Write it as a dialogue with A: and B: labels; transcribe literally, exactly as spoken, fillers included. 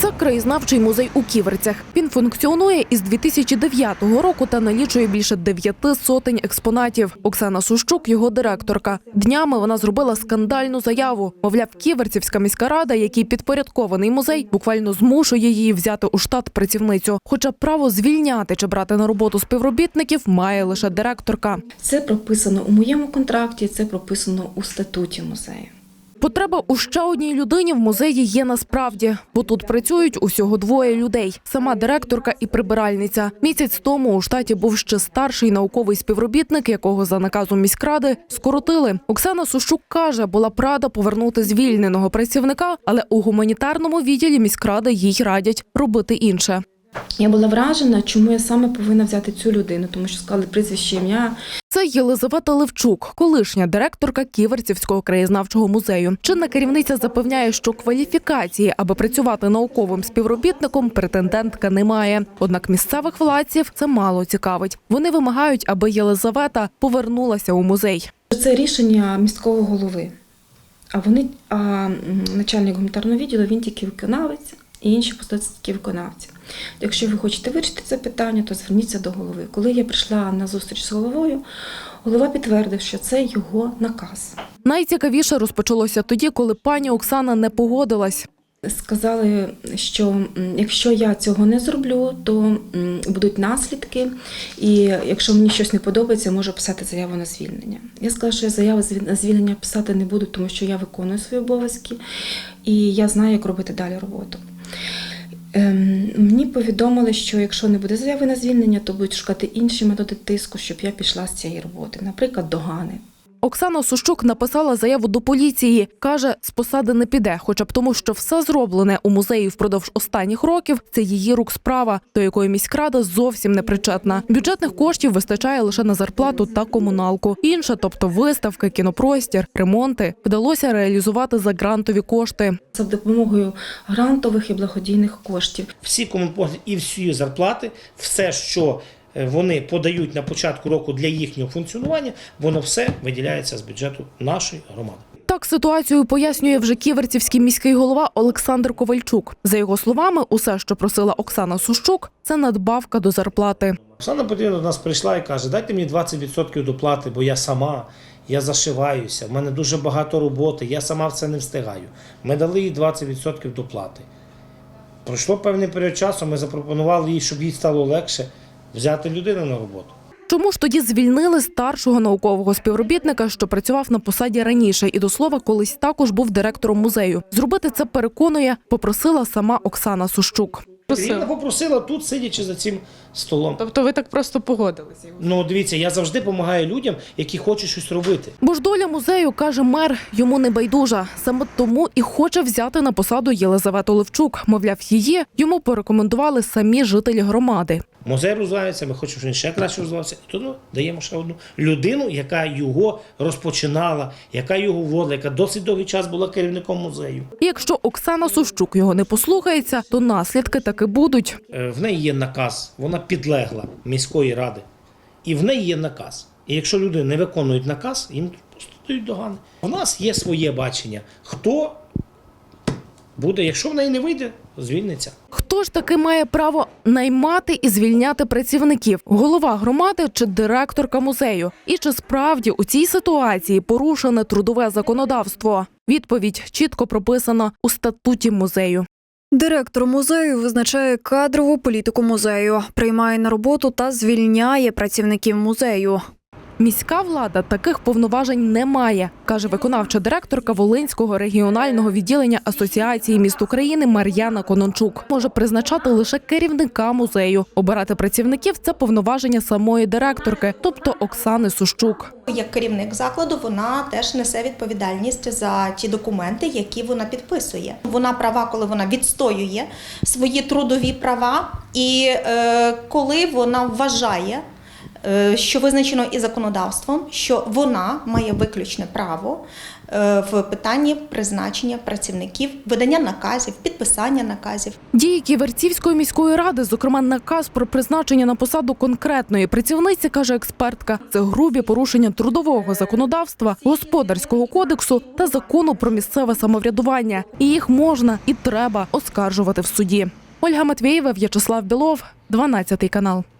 A: Це краєзнавчий музей у Ківерцях. Він функціонує із дві тисячі дев'ятого року та налічує більше дев'яти сотень експонатів. Оксана Сущук – його директорка. Днями вона зробила скандальну заяву. Мовляв, Ківерцівська міська рада, який підпорядкований музей, буквально змушує її взяти у штат працівницю. Хоча право звільняти чи брати на роботу співробітників має лише директорка.
B: Це прописано у моєму контракті, це прописано у статуті музею.
A: Потреба у ще одній людині в музеї є насправді, бо тут працюють усього двоє людей – сама директорка і прибиральниця. Місяць тому у штаті був ще старший науковий співробітник, якого за наказом міськради скоротили. Оксана Сущук каже, була б рада повернути звільненого працівника, але у гуманітарному відділі міськради їй радять робити інше.
B: Я була вражена, чому я саме повинна взяти цю людину, тому що сказали прізвище, ім'я.
A: Це Єлизавета Левчук, колишня директорка Ківерцівського краєзнавчого музею. Чинна керівниця запевняє, що кваліфікації, аби працювати науковим співробітником, претендентка не має. Однак місцевих владців це мало цікавить. Вони вимагають, аби Єлизавета повернулася у музей.
B: Це рішення міського голови, а вони, а начальник гуманітарного відділу, він тільки виконавець. І інші посади тільки виконавці. Якщо ви хочете вирішити це питання, то зверніться до голови. Коли я прийшла на зустріч з головою, голова підтвердив, що це його наказ.
A: Найцікавіше розпочалося тоді, коли пані Оксана не погодилась.
B: Сказали, що якщо я цього не зроблю, то будуть наслідки, і якщо мені щось не подобається, можу писати заяву на звільнення. Я сказала, що я заяву на звільнення писати не буду, тому що я виконую свої обов'язки, і я знаю, як робити далі роботу. Ем, мені повідомили, що якщо не буде заяви на звільнення, то будуть шукати інші методи тиску, щоб я пішла з цієї роботи, наприклад, догани.
A: Оксана Сущук написала заяву до поліції. Каже, з посади не піде, хоча б тому, що все зроблене у музеї впродовж останніх років – це її рук справа, до якої міськрада зовсім не причетна. Бюджетних коштів вистачає лише на зарплату та комуналку. Інше, тобто виставки, кінопростір, ремонти, вдалося реалізувати за грантові кошти.
B: За допомогою грантових і благодійних коштів.
C: Всі комунпослуги і всі зарплати, все, що вони подають на початку року для їхнього функціонування, воно все виділяється з бюджету нашої громади.
A: Так ситуацію пояснює вже ківерцівський міський голова Олександр Ковальчук. За його словами, усе, що просила Оксана Сущук, це надбавка до зарплати.
C: Оксана Петрівна до нас прийшла і каже, дайте мені двадцять відсотків доплати, бо я сама, я зашиваюся, в мене дуже багато роботи, я сама в це не встигаю. Ми дали їй двадцять відсотків доплати. Пройшло певний період часу, ми запропонували їй, щоб їй стало легше взяти людину на роботу.
A: Чому ж тоді звільнили старшого наукового співробітника, що працював на посаді раніше і, до слова, колись також був директором музею? Зробити це, переконує, попросила сама Оксана Сущук.
C: Вона попросила тут, сидячи за цим столом.
D: Тобто ви так просто погодилися?
C: Ну, дивіться, я завжди допомагаю людям, які хочуть щось робити.
A: Бо ж доля музею, каже мер, йому не байдужа. Саме тому і хоче взяти на посаду Єлизавету Левчук. Мовляв, її йому порекомендували самі жителі громади.
C: Музей розвивається, ми хочемо, щоб він ще краще розвивався. І тому даємо ще одну людину, яка його розпочинала, яка його вводила, яка досить довгий час була керівником музею.
A: І якщо Оксана Сущук його не послухається, то наслідки таки будуть.
C: В неї є наказ, вона підлегла міської ради. І в неї є наказ. І якщо люди не виконують наказ, їм просто дають догани. У нас є своє бачення. Хто буде, якщо в неї не вийде, звільниться.
A: Хто ж таки має право наймати і звільняти працівників? Голова громади чи директорка музею? І чи справді у цій ситуації порушене трудове законодавство? Відповідь чітко прописана у статуті музею.
E: Директор музею визначає кадрову політику музею, приймає на роботу та звільняє працівників музею.
A: Міська влада таких повноважень не має, каже виконавча директорка Волинського регіонального відділення Асоціації міст України Мар'яна Конончук. Може призначати лише керівника музею. Обирати працівників – це повноваження самої директорки, тобто Оксани Сущук.
F: Як керівник закладу вона теж несе відповідальність за ті документи, які вона підписує. Вона права, коли вона відстоює свої трудові права і е, коли вона вважає е, що визначено і законодавством, що вона має виключне право е, в питанні призначення працівників, видання наказів, підписання наказів.
A: Дії Ківерцівської міської ради, зокрема наказ про призначення на посаду конкретної працівниці, каже експертка, це грубі порушення трудового законодавства, господарського кодексу та закону про місцеве самоврядування. І їх можна і треба оскаржувати в суді. Ольга Матвєєва, В'ячеслав Білов, дванадцятий канал.